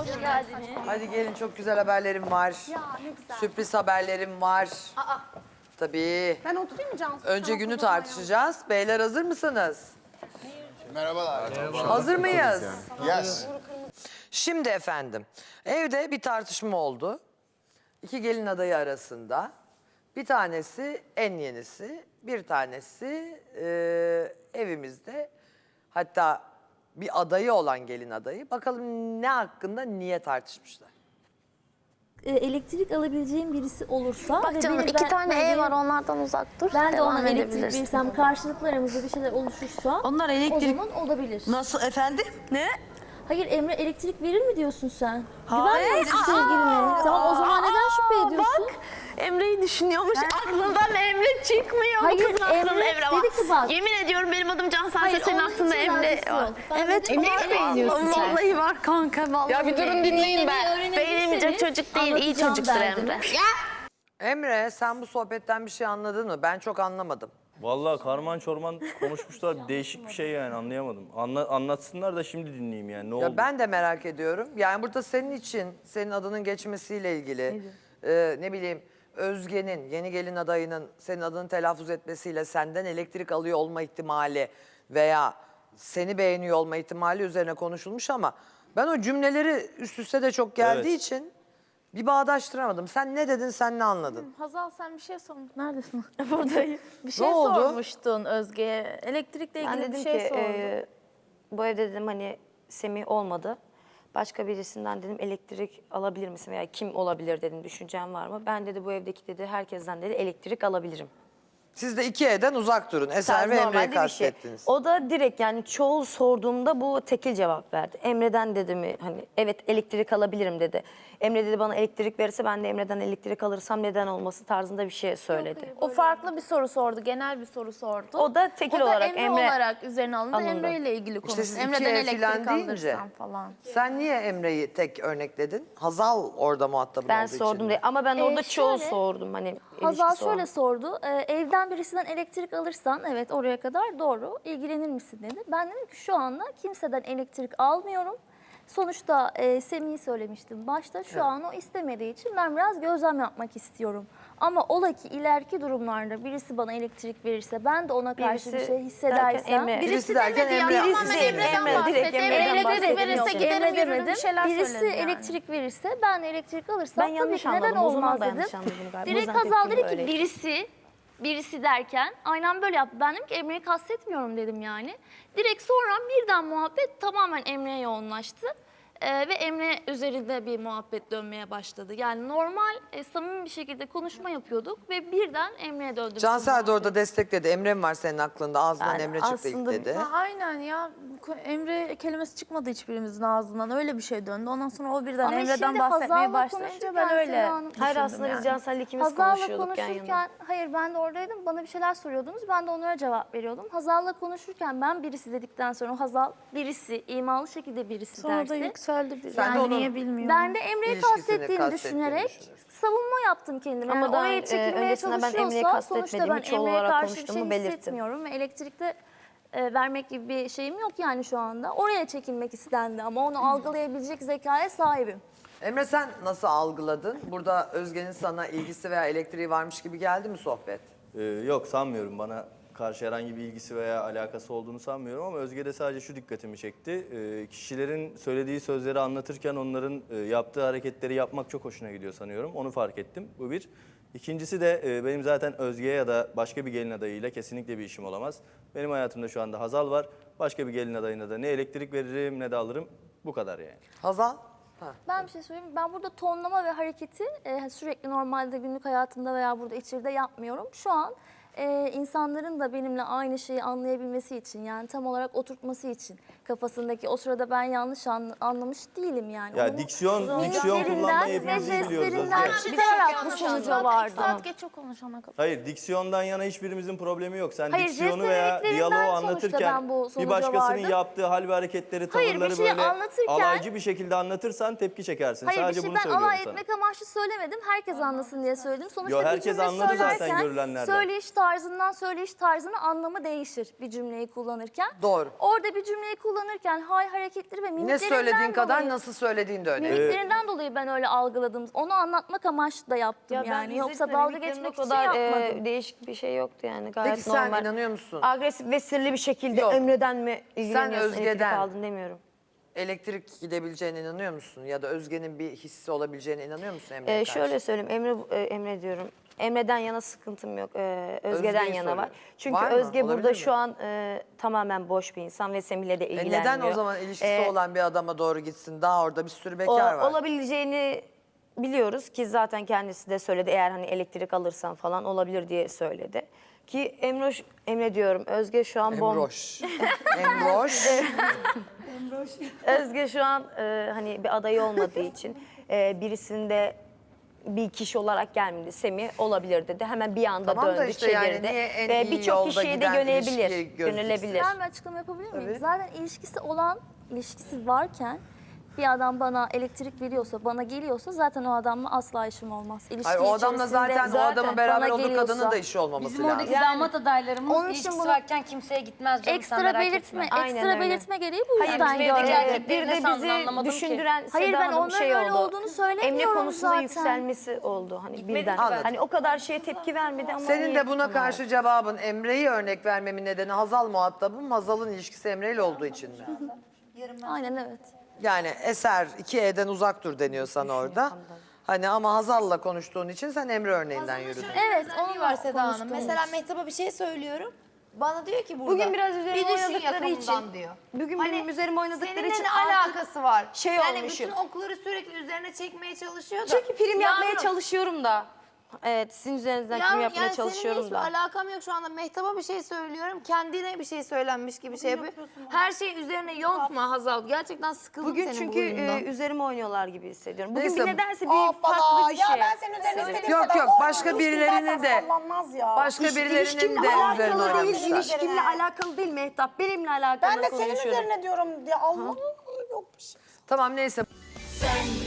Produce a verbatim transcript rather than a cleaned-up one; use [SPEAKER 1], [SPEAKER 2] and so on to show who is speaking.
[SPEAKER 1] Hoş geldiniz.
[SPEAKER 2] Hadi gelin, çok güzel haberlerim var.
[SPEAKER 1] Ya ne güzel.
[SPEAKER 2] Sürpriz haberlerim var.
[SPEAKER 1] Aa,
[SPEAKER 2] Tabii.
[SPEAKER 1] ben oturayım mı Cansu?
[SPEAKER 2] Önce
[SPEAKER 1] Sen
[SPEAKER 2] günü
[SPEAKER 1] otur bana ya.
[SPEAKER 2] tartışacağız. Beyler hazır mısınız?
[SPEAKER 3] Merhabalar.
[SPEAKER 2] Hazır mıyız?
[SPEAKER 3] Yes.
[SPEAKER 2] Şimdi efendim, evde bir tartışma oldu. İki gelin adayı arasında. Bir tanesi en yenisi, bir tanesi e, evimizde. Hatta bir adayı olan gelin adayı. Bakalım ne hakkında, niye tartışmışlar?
[SPEAKER 4] E, elektrik alabileceğim birisi olursa
[SPEAKER 5] Bak
[SPEAKER 4] ve
[SPEAKER 5] canım
[SPEAKER 4] beni
[SPEAKER 5] iki
[SPEAKER 4] ben-
[SPEAKER 5] tane
[SPEAKER 4] ben
[SPEAKER 5] ev
[SPEAKER 4] de-
[SPEAKER 5] var onlardan uzak dur.
[SPEAKER 4] Ben de
[SPEAKER 5] Devam
[SPEAKER 4] ona elektrik
[SPEAKER 5] edebilirsin.
[SPEAKER 4] verirsem karşılıklı aramızda bir şeyler oluşursa
[SPEAKER 6] Onlar
[SPEAKER 4] o
[SPEAKER 6] elektrik...
[SPEAKER 4] zaman olabilir.
[SPEAKER 6] Nasıl efendim? Ne?
[SPEAKER 4] Hayır Emre elektrik verir mi diyorsun sen?
[SPEAKER 6] Hayır.
[SPEAKER 4] Güvenmiyor musun sevgiline? Tamam o zaman neden şüphe ediyorsun?
[SPEAKER 5] Bak Emre'yi düşünüyormuş. Aklından Emre çıkmıyor.
[SPEAKER 4] Hayır,
[SPEAKER 5] Bu kızın aklında
[SPEAKER 4] Emre
[SPEAKER 5] Emre var.
[SPEAKER 4] dedi ki bak-
[SPEAKER 5] Yemin ediyorum benim adım Cansel,
[SPEAKER 4] Hayır,
[SPEAKER 5] senin
[SPEAKER 4] onun
[SPEAKER 5] aklında
[SPEAKER 4] hiç
[SPEAKER 5] Emre
[SPEAKER 4] alakası
[SPEAKER 5] var.
[SPEAKER 4] yok. Ben
[SPEAKER 5] Evet
[SPEAKER 4] dedim,
[SPEAKER 5] var.
[SPEAKER 4] Emre'yi beğeniyorsun sen.
[SPEAKER 5] Vallahi var kanka vallahi.
[SPEAKER 1] Ya bir durun dinleyin ben.
[SPEAKER 5] Beğenilmeyecek çocuk değil, iyi
[SPEAKER 4] anlatacağım
[SPEAKER 5] çocuktur
[SPEAKER 4] derdimi.
[SPEAKER 5] Emre.
[SPEAKER 2] Emre, sen bu sohbetten bir şey anladın mı? Ben çok anlamadım.
[SPEAKER 7] Vallahi karman çorman konuşmuşlar. Değişik bir şey yani, anlayamadım. Anla, anlatsınlar da şimdi dinleyeyim yani, ne oldu?
[SPEAKER 2] Ya ben de merak ediyorum. Yani burada senin için, senin adının geçmesiyle ilgili, e, ne bileyim Özge'nin, yeni gelin adayının senin adını telaffuz etmesiyle senden elektrik alıyor olma ihtimali veya seni beğeniyor olma ihtimali üzerine konuşulmuş ama ben o cümleleri üst üste de çok geldiği
[SPEAKER 7] Evet.
[SPEAKER 2] için bir bağdaştıramadım. Sen ne dedin, sen ne anladın?
[SPEAKER 8] Hazal sen bir şey sormuştun. Neredesin? Buradayım. Bir şey
[SPEAKER 2] Ne oldu?
[SPEAKER 8] sormuştun Özge'ye. Elektrikle
[SPEAKER 9] Ben
[SPEAKER 8] ilgili
[SPEAKER 9] dedim
[SPEAKER 8] bir şey
[SPEAKER 9] ki
[SPEAKER 8] sordun.
[SPEAKER 9] e, bu evde dedim hani Semih olmadı. Başka birisinden dedim elektrik alabilir misin veya kim olabilir dedim, düşüncen var mı? Ben dedi bu evdeki dedi herkesten dedi elektrik alabilirim.
[SPEAKER 2] Siz de iki evden uzak durun. Eser
[SPEAKER 9] Tarz
[SPEAKER 2] ve Emre'yi
[SPEAKER 9] normalde bir şey.
[SPEAKER 2] kastettiniz.
[SPEAKER 9] O da direkt yani çoğul sorduğumda bu tekil cevap verdi. Emre'den dedi mi hani evet elektrik alabilirim dedi. Emre dedi bana elektrik verirse ben de Emre'den elektrik alırsam neden olması tarzında bir şey söyledi.
[SPEAKER 8] O farklı bir soru sordu. Genel bir soru sordu.
[SPEAKER 9] O da tekil
[SPEAKER 8] O da
[SPEAKER 9] olarak
[SPEAKER 8] Emre,
[SPEAKER 9] Emre
[SPEAKER 8] olarak üzerine alındı.
[SPEAKER 9] alındı.
[SPEAKER 8] Emre ile ilgili
[SPEAKER 2] İşte
[SPEAKER 8] konuştu.
[SPEAKER 2] siz iki
[SPEAKER 8] Emre'den
[SPEAKER 2] ev filan
[SPEAKER 8] elektrik
[SPEAKER 2] deyince,
[SPEAKER 8] alırsam falan.
[SPEAKER 2] sen niye Emre'yi tek örnekledin? Hazal orada muhatabın
[SPEAKER 9] ben
[SPEAKER 2] olduğu
[SPEAKER 9] sordum
[SPEAKER 2] için.
[SPEAKER 9] diye ama ben
[SPEAKER 4] Ee,
[SPEAKER 9] orada çoğul
[SPEAKER 4] şöyle,
[SPEAKER 9] sordum hani
[SPEAKER 4] Hazal
[SPEAKER 9] ilişkisi
[SPEAKER 4] şöyle
[SPEAKER 9] olan.
[SPEAKER 4] sordu. E, evden birisinden elektrik alırsan evet oraya kadar doğru. İlgilenir misin dedi. Ben dedim ki şu anda kimseden elektrik almıyorum. Sonuçta e, Semih'i söylemiştim başta. Şu an o istemediği için ben biraz gözlem yapmak istiyorum. Ama ola ki ileriki durumlarda birisi bana elektrik verirse ben de ona karşı
[SPEAKER 9] Birisi
[SPEAKER 4] bir şey
[SPEAKER 9] derken
[SPEAKER 4] hissedersem.
[SPEAKER 9] Emre.
[SPEAKER 2] Birisi derken
[SPEAKER 8] demedi ya,
[SPEAKER 2] Emre.
[SPEAKER 8] tamamen
[SPEAKER 9] Birisi değil,
[SPEAKER 8] Emre'den
[SPEAKER 9] Emre,
[SPEAKER 8] bahsetti.
[SPEAKER 9] direkt
[SPEAKER 8] Emre
[SPEAKER 9] Emre'den
[SPEAKER 8] elektrik
[SPEAKER 9] bahsettim.
[SPEAKER 8] verirse
[SPEAKER 9] Yok.
[SPEAKER 8] giderim
[SPEAKER 4] Emre
[SPEAKER 8] yürürüm bir
[SPEAKER 4] demedim.
[SPEAKER 8] şeyler
[SPEAKER 4] Birisi
[SPEAKER 8] söyledim yani.
[SPEAKER 4] elektrik verirse ben de elektrik alırsam
[SPEAKER 9] Ben
[SPEAKER 4] tabii
[SPEAKER 9] yanlış
[SPEAKER 4] ki neden
[SPEAKER 9] anladım. O zaman
[SPEAKER 4] olmaz
[SPEAKER 9] da
[SPEAKER 4] dedim.
[SPEAKER 9] yanlış anladım galiba. O
[SPEAKER 4] Direkt
[SPEAKER 9] yüzden
[SPEAKER 4] Hazal
[SPEAKER 9] tepkim
[SPEAKER 4] dedi ki
[SPEAKER 9] öyleydi.
[SPEAKER 4] birisi, birisi derken aynen böyle yaptı. Ben dedim ki Emre'yi kastetmiyorum dedim yani. Direkt sonra birden muhabbet tamamen Emre'ye yoğunlaştı. Ee, ve Emre üzerinde bir muhabbet dönmeye başladı. Yani normal, e, samimi bir şekilde konuşma yapıyorduk ve birden Emre'ye döndü. bütün
[SPEAKER 2] Cansel de
[SPEAKER 4] muhabbet.
[SPEAKER 2] orada destekledi. Emre mi var senin aklında? Ağzından
[SPEAKER 9] Yani
[SPEAKER 2] Emre çıktı ilk
[SPEAKER 9] aslında-
[SPEAKER 2] dedi.
[SPEAKER 8] Ha, aynen ya. Emre kelimesi çıkmadı hiçbirimizin ağzından. Öyle bir şey döndü. Ondan sonra o birden
[SPEAKER 4] Ama
[SPEAKER 8] Emre'den
[SPEAKER 4] şimdi
[SPEAKER 8] bahsetmeye
[SPEAKER 4] Hazal'la
[SPEAKER 8] başlayınca
[SPEAKER 4] konuşurken
[SPEAKER 8] ben öyle
[SPEAKER 4] Seda Hanım-
[SPEAKER 9] Hayır
[SPEAKER 8] düşündüm
[SPEAKER 9] aslında
[SPEAKER 8] yani.
[SPEAKER 9] biz Cansel'le ikimiz
[SPEAKER 4] Hazal'la
[SPEAKER 9] konuşuyorduk yan yana.
[SPEAKER 4] konuşurken, hayır ben de oradaydım, bana bir şeyler soruyordunuz, ben de onlara cevap veriyordum. Hazal'la konuşurken ben birisi dedikten sonra Hazal birisi, imalı şekilde birisi
[SPEAKER 8] Sonra da
[SPEAKER 4] derse.
[SPEAKER 8] yükseldi. Bir.
[SPEAKER 2] Sen de
[SPEAKER 8] Yani
[SPEAKER 2] onun-
[SPEAKER 8] niye bilmiyorum.
[SPEAKER 4] Ben de Emre'yi
[SPEAKER 2] İlişkisini
[SPEAKER 4] kastettiğini
[SPEAKER 2] kastettiğini
[SPEAKER 4] düşünerek
[SPEAKER 2] düşünürsün.
[SPEAKER 4] savunma yaptım kendime.
[SPEAKER 9] Ama
[SPEAKER 4] Yani
[SPEAKER 9] daha,
[SPEAKER 4] oraya
[SPEAKER 9] e,
[SPEAKER 4] çekilmeye
[SPEAKER 9] öncesinde ben Emre'yi
[SPEAKER 4] çalışıyorsa sonuçta
[SPEAKER 9] kastetmediğimi,
[SPEAKER 4] ben
[SPEAKER 9] çoğul
[SPEAKER 4] Emre'ye
[SPEAKER 9] olarak
[SPEAKER 4] karşı bir şey
[SPEAKER 9] konuştuğumu belirttim.
[SPEAKER 4] hissetmiyorum. Ve elektrikte e, vermek gibi bir şeyim yok yani şu anda. Oraya çekilmek istendi ama onu algılayabilecek zekaya sahibim.
[SPEAKER 2] Emre, sen nasıl algıladın? Burada Özge'nin sana ilgisi veya elektriği varmış gibi geldi mi sohbet?
[SPEAKER 7] Ee, yok, sanmıyorum, bana karşı herhangi bir ilgisi veya alakası olduğunu sanmıyorum ama Özge'de sadece şu dikkatimi çekti. Ee, kişilerin söylediği sözleri anlatırken onların e, yaptığı hareketleri yapmak çok hoşuna gidiyor sanıyorum. Onu fark ettim. Bu bir. İkincisi de e, benim zaten Özge'ye ya da başka bir gelin adayıyla kesinlikle bir işim olamaz. Benim hayatımda şu anda Hazal var. Başka bir gelin adayına da ne elektrik veririm ne de alırım. Bu kadar yani.
[SPEAKER 2] Hazal? Ha.
[SPEAKER 4] Ben bir şey söyleyeyim. Ben burada tonlama ve hareketi e, sürekli normalde günlük hayatımda veya burada içeride yapmıyorum. Şu an e, insanların da benimle aynı şeyi anlayabilmesi için yani tam olarak oturtması için kafasındaki o sırada ben yanlış an, anlamış değilim yani.
[SPEAKER 7] Ya
[SPEAKER 4] Onun
[SPEAKER 7] diksiyon, diksiyon
[SPEAKER 4] mimiklerinden
[SPEAKER 7] kullanmayı
[SPEAKER 4] ve
[SPEAKER 7] hepimiz iyi biliyoruz
[SPEAKER 4] jestlerinden
[SPEAKER 7] Özge.
[SPEAKER 4] çıkararak bu sonuca vardım.
[SPEAKER 8] Saat geç o konuşana kadar.
[SPEAKER 7] Hayır, diksiyondan yana hiçbirimizin problemi yok. Sen
[SPEAKER 4] Hayır,
[SPEAKER 7] diksiyonu
[SPEAKER 4] jest ve
[SPEAKER 7] veya
[SPEAKER 4] mimiklerinden
[SPEAKER 7] diyaloğu
[SPEAKER 4] sonuçta
[SPEAKER 7] anlatırken
[SPEAKER 4] ben bu
[SPEAKER 7] bir
[SPEAKER 4] sonuca
[SPEAKER 7] başkasının
[SPEAKER 4] vardım.
[SPEAKER 7] yaptığı hal ve hareketleri,
[SPEAKER 4] Hayır, bir
[SPEAKER 7] tavırları
[SPEAKER 4] şeyi
[SPEAKER 7] böyle
[SPEAKER 4] anlatırken-
[SPEAKER 7] alaycı bir şekilde anlatırsan tepki çekersin.
[SPEAKER 4] Hayır
[SPEAKER 7] Sadece
[SPEAKER 4] bir şey
[SPEAKER 7] bunu
[SPEAKER 4] ben
[SPEAKER 7] söylüyorum
[SPEAKER 4] alay
[SPEAKER 7] sana.
[SPEAKER 4] etmek amaçlı söylemedim. Herkes anlasın diye söyledim. Sonuçta
[SPEAKER 7] Yo,
[SPEAKER 4] bir
[SPEAKER 7] herkes
[SPEAKER 4] cümle
[SPEAKER 7] anladı zaten
[SPEAKER 4] söylerken
[SPEAKER 7] görülenlerden.
[SPEAKER 4] söyleyiş tarzından söyleyiş tarzının anlamı değişir bir cümleyi kullanırken.
[SPEAKER 2] Doğru.
[SPEAKER 4] Orada bir cümleyi kullanırken hay hareketleri ve
[SPEAKER 2] Ne
[SPEAKER 4] mimiklerinden
[SPEAKER 2] söylediğin kadar
[SPEAKER 4] dolayı,
[SPEAKER 2] nasıl söylediğin de önemli.
[SPEAKER 4] mimiklerinden dolayı ben öyle algıladım. Onu anlatmak amaçlı da yaptım
[SPEAKER 9] Ya ben
[SPEAKER 4] yani. Yoksa
[SPEAKER 9] izledim,
[SPEAKER 4] dalga
[SPEAKER 9] mimiklerinde
[SPEAKER 4] geçmek
[SPEAKER 9] o
[SPEAKER 4] için
[SPEAKER 9] kadar
[SPEAKER 4] yapmadım.
[SPEAKER 9] e, değişik bir şey yoktu yani gayet
[SPEAKER 2] Peki sen
[SPEAKER 9] normal.
[SPEAKER 2] inanıyor musun?
[SPEAKER 9] Agresif ve sinirli bir şekilde
[SPEAKER 2] Yok.
[SPEAKER 9] Emre'den mi ilgileniyorsun, elektrik
[SPEAKER 2] Özge'den.
[SPEAKER 9] aldın demiyorum.
[SPEAKER 2] Elektrik gidebileceğine inanıyor musun? Ya da Özge'nin bir hissi olabileceğine inanıyor musun Emre'ye
[SPEAKER 9] Ee,
[SPEAKER 2] karşı?
[SPEAKER 9] şöyle söyleyeyim, Emre e, Emre diyorum. Emre'den yana sıkıntım yok. Ee, Özge'den
[SPEAKER 2] Özge'yi
[SPEAKER 9] yana var.
[SPEAKER 2] soruyorum.
[SPEAKER 9] Çünkü
[SPEAKER 2] Var mı?
[SPEAKER 9] Özge
[SPEAKER 2] Olabilir
[SPEAKER 9] burada
[SPEAKER 2] mi?
[SPEAKER 9] şu an e, tamamen boş bir insan ve Semih'le de
[SPEAKER 2] E
[SPEAKER 9] ilgilenmiyor.
[SPEAKER 2] neden o zaman ilişkisi
[SPEAKER 9] Ee,
[SPEAKER 2] olan bir adama doğru gitsin? Daha orada bir sürü
[SPEAKER 9] o-
[SPEAKER 2] bekar var.
[SPEAKER 9] Olabileceğini biliyoruz ki zaten kendisi de söyledi. Eğer hani elektrik alırsan falan olabilir diye söyledi. Ki Emre, Emre diyorum, Özge şu an bom.
[SPEAKER 2] Emroş. Emroş.
[SPEAKER 9] Özge şu an e, hani bir adayı olmadığı için e, birisinde bir kişi olarak gelmedi. Semih olabilir dedi. Hemen bir anda
[SPEAKER 2] Tamam da
[SPEAKER 9] döndü,
[SPEAKER 2] işte yani
[SPEAKER 9] çevirdi.
[SPEAKER 2] niye en
[SPEAKER 9] Ve
[SPEAKER 2] iyi
[SPEAKER 9] birçok
[SPEAKER 2] yolda
[SPEAKER 9] kişiye de
[SPEAKER 2] giden
[SPEAKER 9] yönelebilir.
[SPEAKER 2] ilişkiyi gözlüksün?
[SPEAKER 9] Yönelebilir.
[SPEAKER 4] Ben bir açıklama yapabilir miyim?
[SPEAKER 2] Tabii.
[SPEAKER 4] Zaten ilişkisi olan, ilişkisi varken bir adam bana elektrik veriyorsa, bana geliyorsa zaten o adamla asla işim olmaz. İlişki
[SPEAKER 2] Hayır, o adamla
[SPEAKER 4] içerisinde
[SPEAKER 2] zaten, o adamın beraber
[SPEAKER 4] bana
[SPEAKER 2] olduğu
[SPEAKER 4] geliyorsa-
[SPEAKER 2] kadının da işi olmaması
[SPEAKER 1] Bizim
[SPEAKER 2] lazım.
[SPEAKER 1] oradaki damat adaylarımız
[SPEAKER 4] Onun için
[SPEAKER 1] ilişkisi
[SPEAKER 4] bunu-
[SPEAKER 1] varken kimseye gitmez canım, sen
[SPEAKER 4] Ekstra
[SPEAKER 1] merak
[SPEAKER 4] belirtme,
[SPEAKER 1] etme.
[SPEAKER 9] Aynen
[SPEAKER 4] ekstra
[SPEAKER 9] öyle.
[SPEAKER 4] belirtme gereği bu yüzden
[SPEAKER 1] bizim evdeki
[SPEAKER 4] gördüm.
[SPEAKER 1] erkek-
[SPEAKER 9] Bir de
[SPEAKER 1] Ne sandın,
[SPEAKER 9] bizi
[SPEAKER 1] anlamadım ki.
[SPEAKER 9] düşündüren
[SPEAKER 4] Hayır,
[SPEAKER 9] Seda
[SPEAKER 4] ben
[SPEAKER 9] Hanım
[SPEAKER 4] onların
[SPEAKER 9] şey
[SPEAKER 4] öyle
[SPEAKER 9] oldu.
[SPEAKER 4] olduğunu söylemiyorum
[SPEAKER 9] Emre konusunda
[SPEAKER 4] zaten.
[SPEAKER 9] yükselmesi oldu. Hani birden.
[SPEAKER 2] Anladım.
[SPEAKER 9] Hani o kadar şeye tepki vermedi ama
[SPEAKER 2] Senin
[SPEAKER 9] niye
[SPEAKER 2] de buna
[SPEAKER 9] bunlar?
[SPEAKER 2] karşı cevabın Emre'yi örnek vermemin nedeni Hazal muhatabım. Hazal'ın ilişkisi Emre ile olduğu için mi?
[SPEAKER 4] Aynen evet.
[SPEAKER 2] Yani eser iki E'den uzak dur deniyor sana orada. Hani ama Hazal'la konuştuğun için sen Emre örneğinden yürüdün.
[SPEAKER 4] Evet,
[SPEAKER 5] Onun
[SPEAKER 4] onunla
[SPEAKER 5] var Seda Hanım.
[SPEAKER 4] konuştuğumuz
[SPEAKER 5] Mesela
[SPEAKER 4] için.
[SPEAKER 5] Mehtap'a bir şey söylüyorum. Bana diyor ki burada.
[SPEAKER 9] Bugün biraz üzerime
[SPEAKER 5] bir düşün
[SPEAKER 9] oynadıkları
[SPEAKER 5] yakamından
[SPEAKER 9] için.
[SPEAKER 5] diyor.
[SPEAKER 9] Bugün
[SPEAKER 5] Hani
[SPEAKER 9] benim üzerime oynadıkları
[SPEAKER 5] seninle
[SPEAKER 9] için
[SPEAKER 5] ne
[SPEAKER 9] artık
[SPEAKER 5] alakası var?
[SPEAKER 9] şey
[SPEAKER 5] yani
[SPEAKER 9] olmuşum.
[SPEAKER 5] bütün okları sürekli üzerine çekmeye çalışıyor da.
[SPEAKER 9] Çünkü prim yapmaya
[SPEAKER 5] Yavrum,
[SPEAKER 9] çalışıyorum da. Evet, sizin üzerinizden prim
[SPEAKER 5] Yavrum,
[SPEAKER 9] yapmaya
[SPEAKER 5] yani
[SPEAKER 9] çalışıyorum
[SPEAKER 5] seninle
[SPEAKER 9] da.
[SPEAKER 5] hiçbir alakam yok şu anda. Mehtap'a bir şey söylüyorum. Kendine bir şey söylenmiş gibi şey yapıyor. Her şeyi üzerine yontma Hazal. Gerçekten sıkıldım
[SPEAKER 9] Bugün
[SPEAKER 5] senin
[SPEAKER 9] çünkü
[SPEAKER 5] bu huyundan.
[SPEAKER 9] e, üzerime oynuyorlar gibi hissediyorum. Bugün
[SPEAKER 2] Neyse.
[SPEAKER 9] bir nedense bir
[SPEAKER 1] Hoppala,
[SPEAKER 9] farklı bir
[SPEAKER 1] ya
[SPEAKER 9] şey.
[SPEAKER 1] ben senin üzerine istediğim
[SPEAKER 2] Yok
[SPEAKER 1] kadar
[SPEAKER 2] yok,
[SPEAKER 1] olmuyor.
[SPEAKER 2] başka
[SPEAKER 1] İlişki
[SPEAKER 2] birilerinin
[SPEAKER 1] zaten
[SPEAKER 2] de
[SPEAKER 1] sallanmaz ya.
[SPEAKER 2] başka birilerinin de
[SPEAKER 9] İlişkimle
[SPEAKER 2] üzerine
[SPEAKER 9] alakalı değil,
[SPEAKER 2] oynamışlar.
[SPEAKER 9] ilişkimle alakalı değil Mehtap. Benimle alakalı
[SPEAKER 1] Ben de senin
[SPEAKER 9] konuşuyorum.
[SPEAKER 1] üzerine diyorum. Ya Allah, yok bir şey.
[SPEAKER 2] Tamam neyse.
[SPEAKER 6] Sen